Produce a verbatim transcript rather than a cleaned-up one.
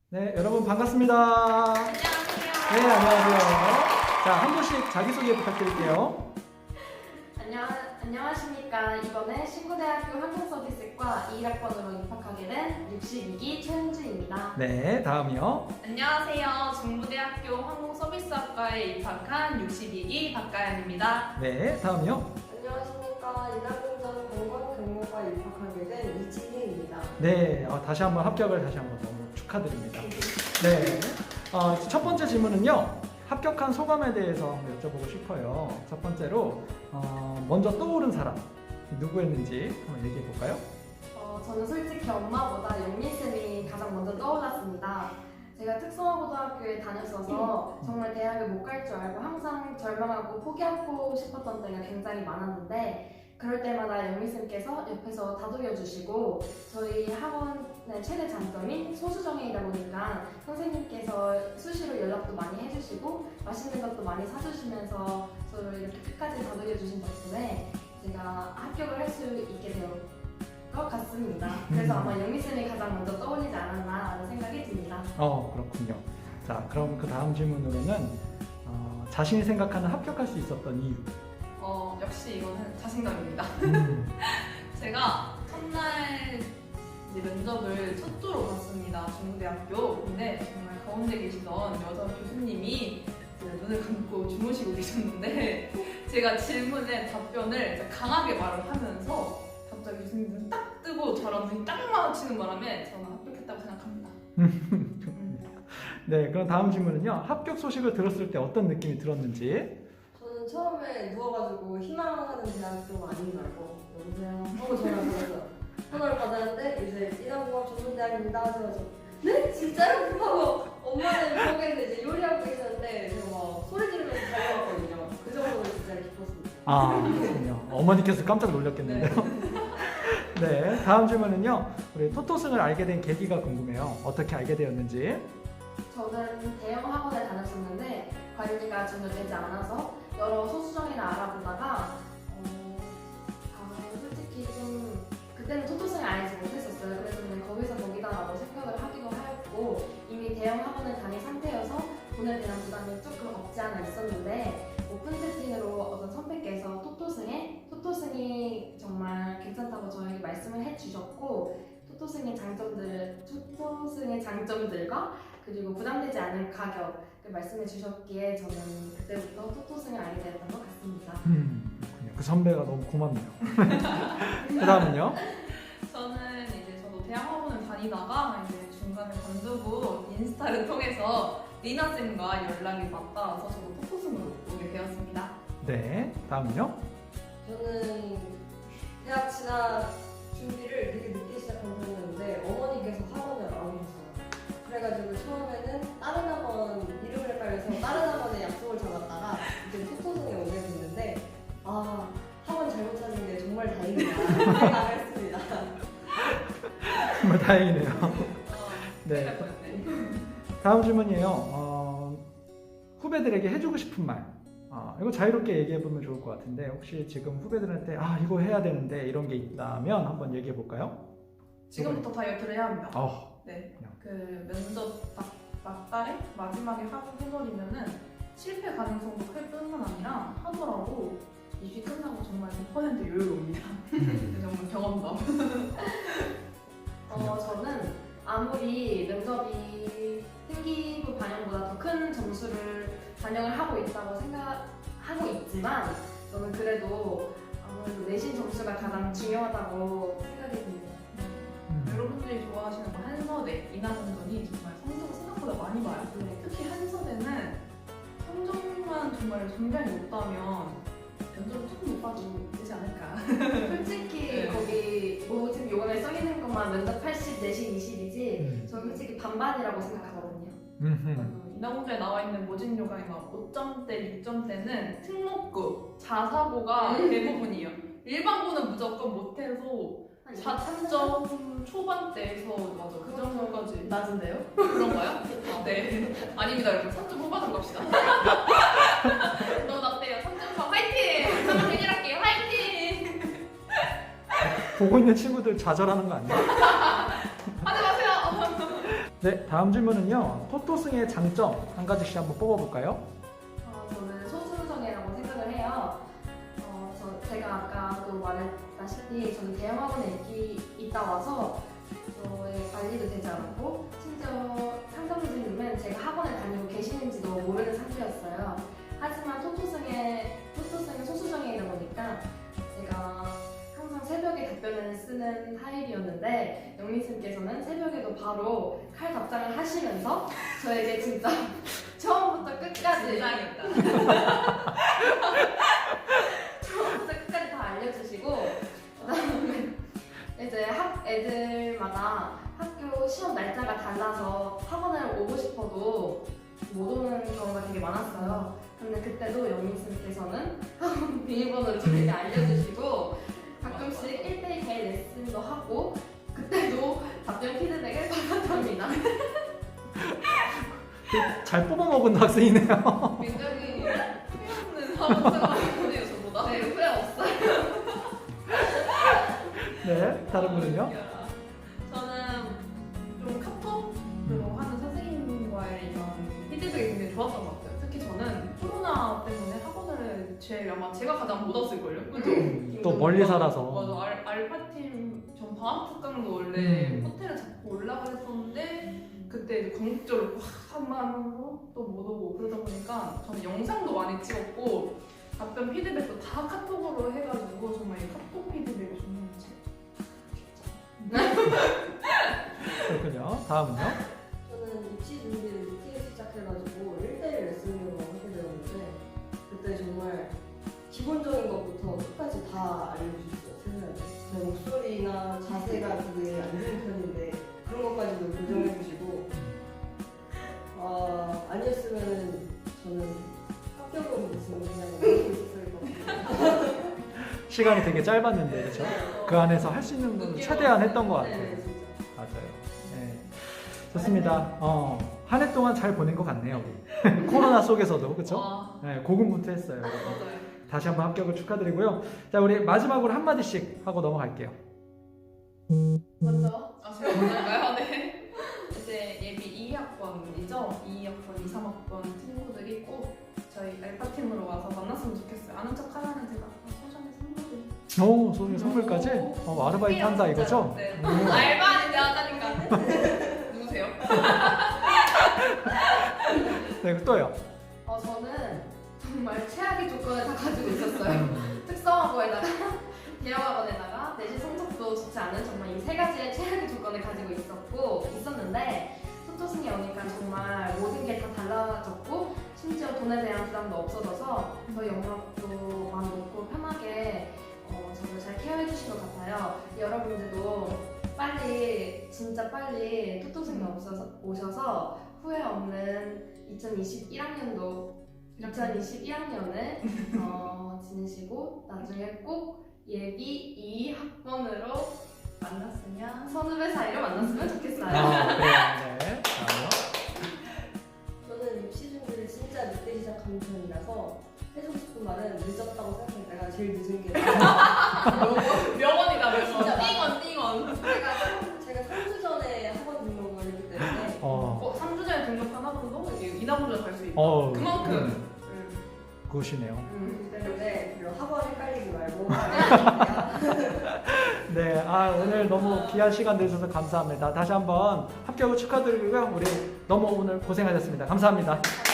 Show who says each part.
Speaker 1: 네, 여러분 반갑습니다.
Speaker 2: 안녕하세요.
Speaker 1: 네, 안녕하세요. 자, 한 분씩 자기소개 부탁드릴게요.
Speaker 2: 안녕, 안녕하십니까. 이번에 신구대학교 항공서비스과 이 학번으로 입학하게 된 육십이 기 최은주입니다.
Speaker 1: 네, 다음이요.
Speaker 3: 안녕하세요. 중부대학교 항공서비스학과에 입학한 육십이 기 박가연입니다.
Speaker 1: 네, 다음이요.
Speaker 4: 안녕하십니까. 인하공전 관광근무과 입학하게 된 이지혜입니다.
Speaker 1: 네, 어, 다시 한번 합격을 다시 한번 너무 축하드립니다. 네, 어, 첫 번째 질문은요. 합격한 소감에 대해서 한번 여쭤보고 싶어요. 첫 번째로 어, 먼저 떠오른 사람 누구였는지 한번 얘기해 볼까요?
Speaker 2: 어, 저는 솔직히 엄마보다 영민쌤이 가장 먼저 떠올랐습니다. 제가 특성화고등학교에 다녔어서 정말 대학을 못 갈 줄 알고 항상 절망하고 포기하고 싶었던 때가 굉장히 많았는데 그럴 때마다 영민쌤께서 옆에서 다독여 주시고 저희 학원의 최대 장점인 소수정예이다 보니까 선생님께서 수시로 연락도 많이 해주시고 맛있는 것도 많이 사주시면서 저를 이렇게 끝까지 다독여 주신 덕분에 제가 합격을 할 수 있게 된 것 같습니다. 그래서 아마 영민쌤이 가장 먼저 떠올리지 않았나라는 생각이 듭니다.
Speaker 1: 어, 그렇군요. 자, 그럼 그 다음 질문으로는 어, 자신이 생각하는 합격할 수 있었던 이유.
Speaker 3: 어, 역시 이거는 자신감입니다.
Speaker 1: 음,
Speaker 3: 제가 첫날 이제 면접을 첫 주로 봤습니다. 중부대학교. 근데 정말 가운데 계시던 여자 교수님이 이제 눈을 감고 주무시고 계셨는데 제가 질문에 답변을 이제 강하게 말을 하면서 갑자기 교수님 눈 딱 뜨고 저랑 눈이 딱 마주치는 바람에 저는 합격했다고 생각합니다. 음.
Speaker 1: 네, 그럼 다음 질문은요. 합격 소식을 들었을 때 어떤 느낌이 들었는지.
Speaker 4: 저는 처음에 누워가지고 희망하는 대학교 아닌 줄 알고 여보세요 하고 전화를 받았어요. 전화를 받았는데 이제 인하공학 전문대학입니다 하셔서 네? 진짜요? 하고 엄마는 거기에서 이제 요리하고 계셨는데 제가 막 소리 지르면서 달려왔거든요. 그 정도로 진짜 기뻤습니다.
Speaker 1: 아, 그렇군요. 어머니께서 깜짝 놀랐겠는데요. 네, 다음 질문은요. 우리 토토승을 알게 된 계기가 궁금해요. 어떻게 알게 되었는지.
Speaker 2: 저는 대형 학원에 다녔었는데 관리가 전혀 되지 않아서 여러 소수정예를 알아보다가 어, 아, 솔직히 좀 그때는 토토승을 알지 못했었어요. 그래서 그냥 거기서 거기다라고 생각을 하기도 하였고 이미 대형 학원을 다닌 상태여서 돈에 대한 부담이 조금 없지 않아 있었는데 오픈 채팅으로 어떤 선배께서 토토승에 토토승이 정말 괜찮다고 저에게 말씀을 해주셨고 토토승의 장점들, 토토승의 장점들과 그리고 부담되지 않은 가격을 말씀해 주셨기에 저는 그때부터 토토승을 알게 되었던 것 같습니다.
Speaker 1: 음, 그렇군요. 그 선배가 너무 고맙네요. 그 다음은요.
Speaker 3: 저는 이제 저도 대학학원을 다니다가 이제 중간에 관두고 인스타를 통해서 리나 쌤과 연락이 맞닿아서 저도 토토승으로 오게 되었습니다.
Speaker 1: 네, 다음은요.
Speaker 4: 저는 대학 진학 준비를 되게 늦게 시작한 편이었는데 어머니께서 학원을 알아보셨어요. 그래가지고 처음에는 다른 학원 이름을 헷갈려서 다른 학원에 약속을 잡았다가 이제 토토승에 오게 됐는데 아 학원 잘못 찾은 게 정말 다행이다 생각했습니다.
Speaker 1: 정말 다행이네요.
Speaker 3: 어,
Speaker 1: 네.
Speaker 3: 큰일 날 뻔했네.
Speaker 1: 다음 질문이에요. 어, 후배들에게 해주고 싶은 말. 어, 이거 자유롭게 얘기해보면 좋을 것 같은데 혹시 지금 후배들한테 아 이거 해야 되는데 이런 게 있다면 한번 얘기해 볼까요?
Speaker 3: 지금부터 다이어트를 해야 합니다.
Speaker 1: 어,
Speaker 3: 네.
Speaker 1: 그냥.
Speaker 3: 그 면접 딱 막달에 마지막에 하고 해버리면은 실패 가능성도 클 뿐만 아니라 하더라도 입시 끝나고 정말 백 퍼센트 여유로웁니다. 정말 경험담.
Speaker 2: 어, 저는 아무리 면접이 필기부 반영보다 더 큰 점수를 반영을 하고 있다고 생각하고 있지만 저는 그래도 아무래도 내신 점수가 가장 중요하다고 생각이 듭니다.
Speaker 1: 음.
Speaker 3: 여러분들이 좋아하시는 뭐 한서대, 인하공전이 정말 성적을 생각보다 많이 봐요.
Speaker 2: 네.
Speaker 3: 특히 한서대는 성적만 정말 굉장히 높다면 면접을 조금 못 봐도 되지 않을까.
Speaker 2: 솔직히
Speaker 3: 네.
Speaker 2: 거기 뭐 지금 요강에 써있는 것만 면접 팔십, 내신 이십이지
Speaker 1: 음.
Speaker 2: 저는 솔직히 반반이라고 생각하거든요.
Speaker 1: 음흠.
Speaker 3: 인하공전에 나와 있는 모진 요강의 막 오 점대, 육 점대는 특목고, 자사고가 대부분이에요. 일반고는 무조건 못해서 사 점 초반대에서 맞아 그 정도까지
Speaker 2: 낮은데요?
Speaker 3: 그런가요? 아, 네. 아닙니다 여러분. 삼 점 후반으로 갑시다. 너무 낮대요. 삼 점 사 화이팅! 삼 점 괜히할게요 화이팅!
Speaker 1: 보고 있는 친구들 좌절하는 거 아니에요?
Speaker 3: 하지 마세요!
Speaker 1: 네, 다음 질문은요. 토토승의 장점 한 가지씩 한번 뽑아볼까요?
Speaker 2: 어, 저는 소수정예라고 생각을 해요. 어, 저, 제가 아까도 말했다시피 저는 대형학원에 있기, 있다 와서 저의 관리도 되지 않고 심지어 상담 선생님은 제가 학원에 다니고 계시는지도 모르는 상태였어요. 하지만 토토승의 토토승의 소수정예이다 보니까 제가 항상 새벽에 답변을 쓰는 타입이었는데 영민쌤께서는 새벽에도 바로 칼 답장을 하시면서 저에게 진짜 처음부터 끝까지
Speaker 3: 진상이다.
Speaker 2: 처음부터 끝까지 다 알려주시고 그다음에 이제 학 애들마다 학교 시험 날짜가 달라서 학원을 오고 싶어도 못 오는 경우가 되게 많았어요. 근데 그때도 영민쌤께서는 학원 비밀번호를 저에게 알려주시고 가끔씩 일 대일 개인 레슨도 하고 그때도 답변 피드백을 받았답니다.
Speaker 1: 잘 뽑아먹은 학생이네요.
Speaker 3: 굉장히 후회 없는 학원 생활이네요, 저보다.
Speaker 2: 네, 후회 없어요.
Speaker 1: 네, 다른 분은요?
Speaker 3: 저는 좀 카톡으로 하는 선생님과의 이런 피드백이 굉장히 좋았던 것 같아요. 특히 저는 코로나 때문에 학원을 제일 아마 제가 가장 못 왔을걸요? 그죠?
Speaker 1: 음, 또 멀리 살아서.
Speaker 3: 맞아. 알, 알파팀 전 방학 특강도 원래
Speaker 1: 음.
Speaker 3: 호텔을 잡고 올라가 했었는데 그때 이제 광복절을 한마음으로 또 못 오고 그러다 보니까 저는 영상도 많이 찍었고 답변 피드백도 다 카톡으로 해가지고 정말 이 카톡 피드백이 정말
Speaker 1: 그렇군요. 다음은요?
Speaker 4: 저는 입시 준비를 늦게 시작해가지고 일 대일 레슨으로 하게 되었는데 그때 정말 기본적인 것부터 끝까지 다 알려주셨어요. 선생님한테. 제 목소리나 자세가 되게 안 좋은 편인데 그런 것까지도 교정해주시고 아, 아니었으면 저는 합격으로 있으면 그냥 놀고 있었을 것 같아요.
Speaker 1: 시간이 되게 짧았는데, 그렇죠? 그 안에서 할 수 있는 건 최대한 했던 것 같아요.
Speaker 4: 네, 진짜.
Speaker 1: 맞아요. 네. 좋습니다. 어, 한 해 동안 잘 보낸 것 같네요. 코로나 속에서도, 그렇죠?
Speaker 3: 와,
Speaker 1: 네, 고군분투했어요.
Speaker 3: 맞아요.
Speaker 1: 다시 한번 합격을 축하드리고요. 자, 우리 마지막으로 한 마디씩 하고 넘어갈게요.
Speaker 2: 먼저
Speaker 3: 아, 제가 먼저 할까요? 네. 이제 예비 이 학번이죠? 이 학번, 이, 삼 학번 친구들이 꼭 저희 알파팀으로 와서 만났으면 좋겠어요. 아는 척 하면은 제가 소정의 선물을.
Speaker 1: 오, 소중히 선물까지? 어, 아르바이트 한다 이거죠?
Speaker 3: 네.
Speaker 1: 오.
Speaker 3: 알바 아닌데 하다니까. 누구세요?
Speaker 1: 네, 또요.
Speaker 2: 어, 저는 정말 최악의 조건을 다 가지고 있었어요.
Speaker 1: 음,
Speaker 2: 특성화고에다가 대형학원에다가 내신 성적도 좋지 않은 정말 이 세 가지의 최악의 조건을 가지고 있었고 있었는데 토토승에 오니까 정말 모든 게 다 달라졌고 심지어 돈에 대한 부담도 없어져서 더 영역도 마음 놓고 편하게 어, 저를 잘 케어해 주신 것 같아요. 여러분들도 빨리 진짜 빨리 토토승에 오셔서, 오셔서 후회 없는 이천이십일 학년도 이천이십일 학년을 어, 지내시고 나중에 꼭 예비 이 학번으로 만났으면 선후배 사이로 만났으면 좋겠어요.
Speaker 1: 아, 그래요. 네. 다음요.
Speaker 4: 저는 입시 준비를 진짜 늦게 시작한 편이라서 해주고 싶은 말은 늦었다고 생각해. 내가 제일 늦은 게
Speaker 3: 명언이다, 명언.
Speaker 4: 진짜
Speaker 3: 띵언, 띵언.
Speaker 4: 제가 삼- 제가 삼 주 전에 학원 등록을 했기 때문에
Speaker 1: 어,
Speaker 3: 어, 삼 주 전에 등록한 학원도 이게 인하분자 갈 수 있다.
Speaker 1: 어,
Speaker 3: 그만큼.
Speaker 1: 음, 굿이네요.
Speaker 2: 음,
Speaker 4: 그렇기 때문에 별로 학원 헷갈리지 말고
Speaker 1: 네, 아, 오늘 너무 귀한 시간 내주셔서 감사합니다. 다시 한번 합격을 축하드리고요. 우리 너무 오늘 고생하셨습니다. 감사합니다.